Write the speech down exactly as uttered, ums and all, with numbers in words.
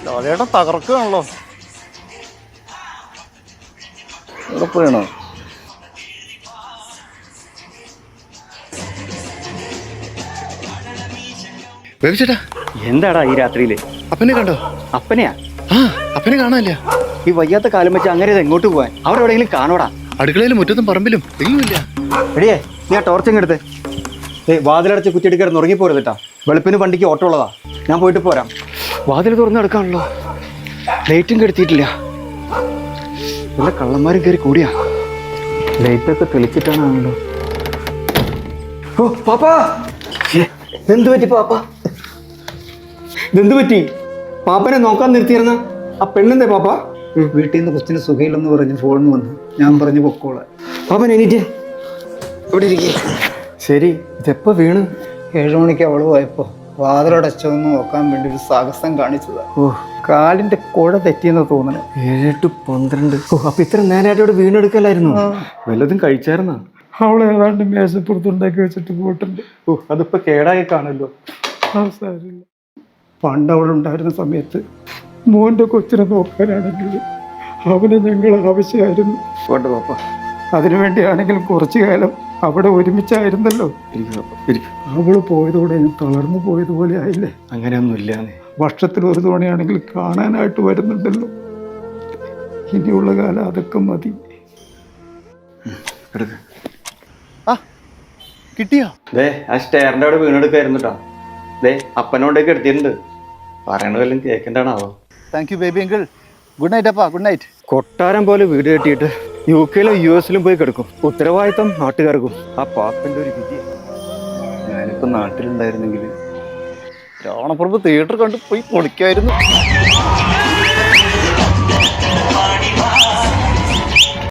ലാലേട്ടൻ തകർക്കുകയാണല്ലോ. ഉറപ്പാണോ? ചേട്ടാ എന്താടാ ഈ രാത്രിയില്? അപ്പനെ കണ്ടോ? അപ്പനെയാ? ആ അപ്പനെ കാണാനില്ല. ഈ വയ്യാത്ത കാലം വെച്ച് അങ്ങനെ എങ്ങോട്ട് പോവാൻ? അവിടെ എവിടെയെങ്കിലും കാണോടാ? അടുക്കളയിലും മുറ്റത്തും പറമ്പിലും എങ്ങുമില്ല. എടിയേ, നീ ആ ടോർച്ചങ്ങ് എടുത്ത്. ഏയ് വാതിലടച്ച് കുറ്റിയെടുക്കാൻ ഉറങ്ങിപ്പോരുതട്ടാ. വെളുപ്പിന് വണ്ടിക്ക് ഓട്ടോ ഉള്ളതാ. ഞാൻ പോയിട്ട് പോരാം. വാതിൽ തുറന്ന് എടുക്കാണല്ലോ. ലൈറ്റും കെടുത്തിയിട്ടില്ല. വല്ല കള്ളന്മാരും കയറി കൂടിയാ. ലൈറ്റൊക്കെ തെളിച്ചിട്ടാണല്ലോ. ഓ പാപ്പാ, എന്ത് പറ്റി പാപ്പാ? ഇതെന്ത് പറ്റി? പാപ്പനെ നോക്കാൻ നിർത്തിയിരുന്ന ആ പെണ്ണെന്തേ പാപ്പ? വീട്ടിൽ നിന്ന് കൊച്ചിന് സുഖയില്ലെന്ന് പറഞ്ഞ് ഫോണിന് വന്നു. ഞാൻ പറഞ്ഞു പൊക്കോളെ. പാപ്പൻ എണീറ്റ് ഇവിടെ ഇരിക്കേ. ശരി, ഇതെപ്പോ വീണ്? ഏഴു മണിക്ക് അവള് പോയപ്പോൾ വാതിലടച്ചൊന്ന് നോക്കാൻ വേണ്ടി ഒരു സാഹസം കാണിച്ചതാ. ഓ, കാലിന്റെ കുഴ തെറ്റിയെന്ന് തോന്നണേ. ഏഴ് ടു പന്ത്രണ്ട്. ഓ, അപ്പൊ ഇത്ര നേരമായിട്ട് ഇവിടെ വീണെടുക്കലായിരുന്നു. വല്ലതും കഴിച്ചായിരുന്നോ? അവളെ ഏതാണ്ട് മേശപ്പുറത്തുണ്ടാക്കി വെച്ചിട്ട് പോയിട്ടുണ്ട്. ഓ, അതിപ്പോ കേടായി കാണല്ലോ. സാരില്ല. പണ്ട് അവളുണ്ടായിരുന്ന സമയത്ത് മോൻ്റെ കൊച്ചിനെ നോക്കാനാണെങ്കിൽ അവന് ഞങ്ങൾ ആവശ്യമായിരുന്നു. പോട്ടെ പാപ്പ. അതിനുവേണ്ടിയാണെങ്കിലും കുറച്ചു കാലം അവിടെ ഒരുമിച്ചായിരുന്നല്ലോ. അവള് പോയതോടെ ഞാൻ തളർന്നു പോയതുപോലെ ആയില്ലേ. അങ്ങനെയൊന്നും ഇല്ല. വർഷത്തിൽ ഒരു തവണയാണെങ്കിൽ കാണാനായിട്ട് വരുന്നുണ്ടല്ലോ. ഇനിയുള്ള കാലം അതൊക്കെ മതി. ആ കിട്ടിയോ? ദേ ആ സ്റ്റെയറിന്റെ അവിടെ വീണെടുക്കായിരുന്നു കേട്ടോ. ദേ അപ്പനോണ്ടൊക്കെ എടുത്തിട്ടുണ്ട്. പറയണ വല്ലതും കേൾക്കണ്ടാണാവോ? Thank you baby uncle. Good night അപ്പാ. Good night. കൊട്ടാരം പോലെ വീട് കെട്ടിയിട്ട് യു കെയിലും യു എസിലും പോയി കിടക്കും. ഉത്തരവാദിത്തം നാട്ടുകാർക്കും. ആ പാപ്പന്റെ ഒരു വിധി. ഞാനിപ്പോൾ നാട്ടിലുണ്ടായിരുന്നെങ്കിൽ രാവണപ്രഭു തിയേറ്റർ കണ്ട് പോയി പൊളിക്കായിരുന്നു.